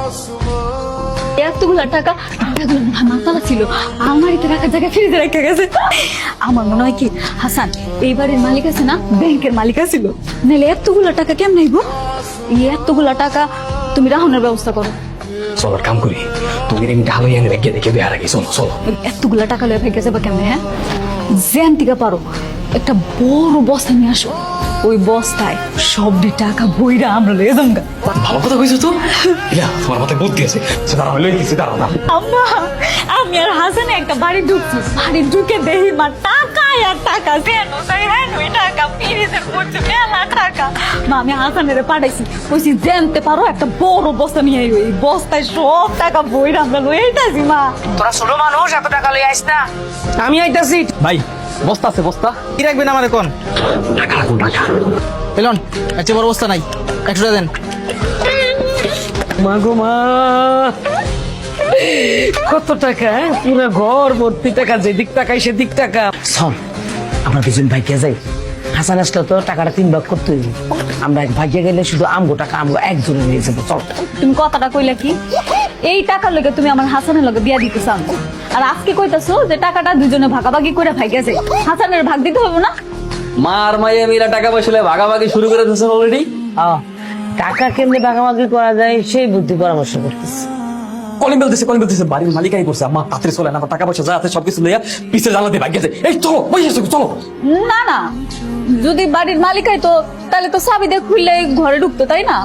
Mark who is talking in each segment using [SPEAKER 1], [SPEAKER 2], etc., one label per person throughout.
[SPEAKER 1] এতগুলা টাকা মাতালা ছিল আমারিতে রাখার জায়গায় ফ্রিজে রেখে গেছে। আমার মনে হয় কি হাসান এই বাড়ির মালিক আছে না, ব্যাংকের মালিক ছিল, নাহলে এতগুলা টাকা কেমন আইব? এই এতগুলা টাকা তুমি রাহনের ব্যবস্থা করো।
[SPEAKER 2] চলো কাম করি, তুমি আমি ঢালো এনে রেখে দেখে দেওয়ার আগে চলো চলো।
[SPEAKER 1] এতগুলা টাকা লয়ে ভেঙে যাবে কেমনে? হ্যাঁ, জ্যান থেকে পারো একটা বড় বস্তা নিয়ে আসো, ওই বস্তায় সবটি টাকা বইরা আমরা লয়ে যাবো।
[SPEAKER 2] ভালো কথা কইছো তো, ইয়া তোমার মাথায় বুদ্ধি আছে। দাঁড়াও হইলে কিছু দাঁড়াও না।
[SPEAKER 1] আম্মা, আমি আর হাসানে একটা বাড়ি ঢুকছি, বাড়ি ঢুকে দেখি মা টাকা আর টাকা, ওই টাকা ফ্রিজের পড়ছে মেলা টাকা। মা আমি হাসানের পাঠাইছি, কইছি জানতে পারো একটা বড় বস্তা নিয়ে আইও, এই বস্তায় সব টাকা বইরা আমরা লয়ে আইতাছি। মা
[SPEAKER 3] তোরা ছোট মানুষ, এত টাকা লই আইস না। আমি আইতাছি
[SPEAKER 2] ভাই, বস্তা আছে বস্তা।
[SPEAKER 3] কি রাখবেন আমার এখন?
[SPEAKER 2] টাকা রাখুন টাকা।
[SPEAKER 3] পেলন আচ্ছা, বড় বস্তা নাই, 100 টাকা দেন।
[SPEAKER 2] মা গো মা, কত টাকা! পুরো ঘর ভর্তি টাকা, যেদিক টাকাই সেদিক টাকা।
[SPEAKER 3] শোন, আমরা দুজন ভাইকে যাই। হাসান আসলে তো টাকাটা 3 ভাগ করতে হইব। আমরা এক ভাইকে গেলে শুধু আমগো টাকা আমগো একজনে নিয়ে যাবো। চল।
[SPEAKER 1] তুমি কথাটা কইলা কি? এই টাকার লগে তুমি আমার হাসানের লগে বিয়া দিতে চাও, আর আজকে কইতাছো যে টাকাটা দুজনে ভাগাভাগি করে ভাইগে যায়, হাসানের ভাগ দিতে হবে না?
[SPEAKER 2] মার মাইয়া মিলা টাকা পয়সা ভাগাভাগি শুরু করে দিয়েছেন অলরেডি।
[SPEAKER 3] টাকা কেমনে ভাগাভাগি করা যায় সেই বুদ্ধি পরামর্শ করতেছি।
[SPEAKER 2] কলিং বেলতেছে বাড়ির মালিকাই করছে। আম্মা তাড়াতাড়ি চলে না, টাকা পয়সা যা আছে সবকিছু লইয়া পিছের জানাতে ভাগ গেছে। এই চলো পয়সা চলো।
[SPEAKER 1] না না, যদি বাড়ির মালিকাই তো তাহলে তো চাবি দিয়ে খুললে ঘরে ঢুকতো, তাই না?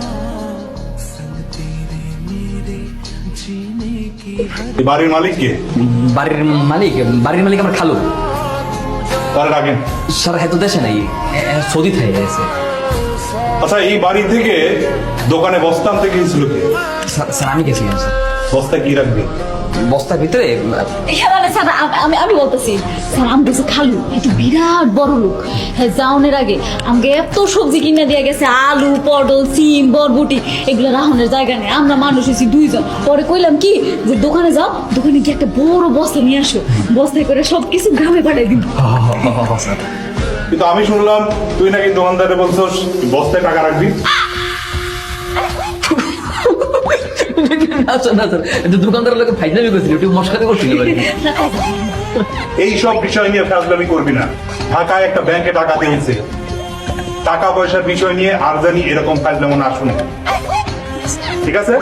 [SPEAKER 4] বাড়ির মালিক কে?
[SPEAKER 2] বাড়ির মালিক আমার খালু।
[SPEAKER 4] তার রাখেন।
[SPEAKER 2] স্যার হয়তো দেশে নাই, সৌদি থেকে গেছে।
[SPEAKER 4] আচ্ছা, এই বাড়ি থেকে দোকানে বস্তা আনতে গিয়েছিল কে?
[SPEAKER 2] স্যার আমি গেছিলাম স্যার।
[SPEAKER 4] বস্তায় কি রাখবে?
[SPEAKER 2] বস্তার ভিতরে
[SPEAKER 1] মানে স্যার আমি বলতেছি স্যার, আমি গেছি খালু একটু বিরাট বড় লোক, হ্যাঁ যাওনের আগে আমাকে এত সবজি কিনে দিয়ে গেছে, আলু পটল সিম বরবটি, এগুলো রাহনের জায়গা নেই, আমরা মানুষ হয়েছি 2 জন। পরে কইলাম কি যে দোকানে যাও, দোকানে গিয়ে একটা বড় বস্তা নিয়ে আসো, বস্তায় করে সবকিছু গ্রামে পাঠাই দিব।
[SPEAKER 4] কিন্তু আমি শুনলাম তুই নাকি দোকানদারে বলছস বস্তায় টাকা রাখবি।
[SPEAKER 2] দোকানদার লোক ফাইজলামি করছিল, একটু মশকাতে করছিল।
[SPEAKER 4] এই সব বিষয় নিয়ে ফাজলামি করবি না। ঢাকায় একটা ব্যাংকে টাকা দিয়েছে, টাকা পয়সার বিষয় নিয়ে আর জানি এরকম ফাজলামো না শুনে, ঠিক আছে?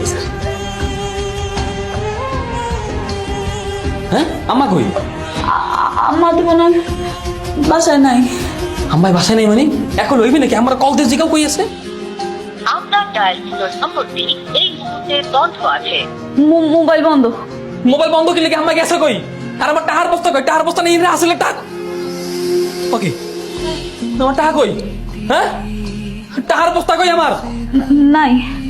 [SPEAKER 2] হ্যাঁ আম্মা কই?
[SPEAKER 1] আম্মা তো মনে হয় বাসায় নাই।
[SPEAKER 2] আম্মাই বাসায় নেই মানে এখন হইবে নাকি? আমার কল দিয়ে জিগাও কই আছে?
[SPEAKER 5] আপনার ডায়ালকৃত নম্বরটি এই মুহূর্তে বন্ধ আছে।
[SPEAKER 1] মোবাইল বন্ধ।
[SPEAKER 2] মোবাইল বন্ধ করলে কি আম্মা গেছে কই? আর আমার টাকার বস্তা কই? টাকার বস্তা নেই আসলে টাকা। ওকে, আমার টাকা কই? হ্যাঁ, টাকার বস্তা কই আমার?
[SPEAKER 1] নাই,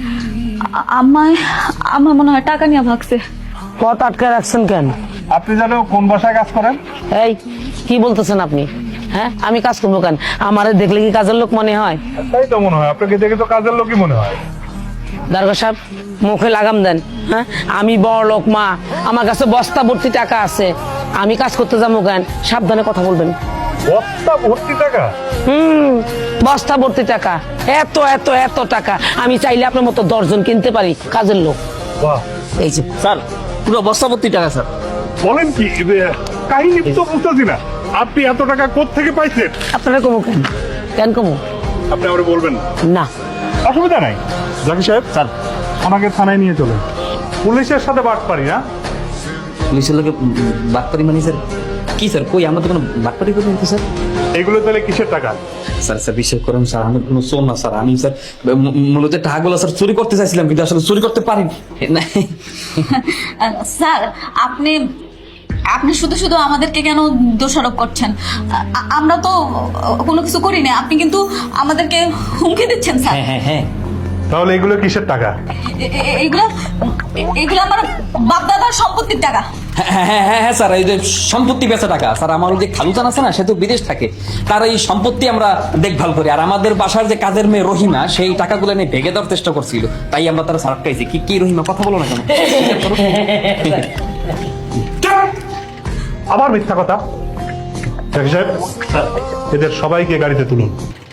[SPEAKER 1] আমার মনে হয় টাকা নিয়ে ভাগছে।
[SPEAKER 3] পথ আটকে রাখছেন কেন?
[SPEAKER 4] আপনি জানো কোন বাসায় কাজ করেন?
[SPEAKER 3] এই কি বলতেছেন আপনি? হ্যাঁ, আমি কাজ করবো কেন? আমারে দেখলে কি কাজের লোক মনে হয়?
[SPEAKER 4] তাই তো মনে হয়, আপনাকে দেখে তো কাজের লোকই মনে হয়।
[SPEAKER 3] দারোগা সাহেব, মুখে লাগাম দেন। হ্যাঁ, আমি বড় লোক মা, আমার কাছে বস্তা ভর্তি টাকা আছে, আমি কাজ করতে যাবো কেন? সাবধানে কথা বলবেন।
[SPEAKER 4] বস্তা ভর্তি টাকা?
[SPEAKER 3] বস্তা ভর্তি টাকা, এত এত এত টাকা আমি চাইলে আপনার মতো 10 জন কিনতে পারি কাজের লোক।
[SPEAKER 4] বাহ,
[SPEAKER 3] এই যে
[SPEAKER 2] স্যার পুরো বস্তা ভর্তি টাকা স্যার।
[SPEAKER 4] বলেন কি? কাহিনী তো বুঝতেছি না। আপনি এত টাকা কোত্থেকে পাইছেন?
[SPEAKER 3] আপনারা কমু কেন? কেন কমু?
[SPEAKER 4] আপনি আমার বলবেন
[SPEAKER 3] না।
[SPEAKER 4] অসুবিধা নাই। জাকি সাহেব,
[SPEAKER 2] স্যার
[SPEAKER 4] আমাকে থানায় নিয়ে চলেন। পুলিশের সাথে বাট পারি না।
[SPEAKER 2] পুলিশের লোকে বাটপারি মানে স্যার কি স্যার? কই আমরা তো কোনো বাটপারি করি না স্যার।
[SPEAKER 4] এগুলো তাহলে কিসের টাকা?
[SPEAKER 2] স্যার বিশ্বাস করেন স্যার, আমি কোনো চোর না স্যার। আমি স্যার মূলত টাকাগুলো স্যার চুরি করতে চাইছিলাম, কিন্তু আসলে চুরি করতে পারিনি।
[SPEAKER 1] স্যার আপনি শুধু শুধু আমাদেরকে কেন দোষারোপ করছেন? আমরা তো কোনো কিছু করি না, আপনি কিন্তু আমাদেরকে হুমকি দিচ্ছেন স্যার।
[SPEAKER 2] হ্যাঁ হ্যাঁ,
[SPEAKER 4] তাহলে এগুলো কিসের টাকা?
[SPEAKER 1] এগুলো আমার বাপদাদার সম্পত্তির টাকা।
[SPEAKER 2] হ্যাঁ হ্যাঁ হ্যাঁ হ্যাঁ স্যার, এই যে সম্পত্তি বেচা টাকা স্যার। আমার যে খালুজান আছে না, সে তো বিদেশ থাকে, তার এই সম্পত্তি আমরা দেখভাল করি। আর আমাদের বাসার যে কাজের মেয়ে রহিমা, সেই টাকাগুলো নিয়ে ভেঙে দেওয়ার চেষ্টা করছিল, তাই আমরা তারা সারাপ খাইছি। কি রহিমা, কথা বলো না কেন?
[SPEAKER 4] আবার মিথ্যা কথা। জাকি সাহেব, এদের সবাইকে গাড়িতে তুলুন।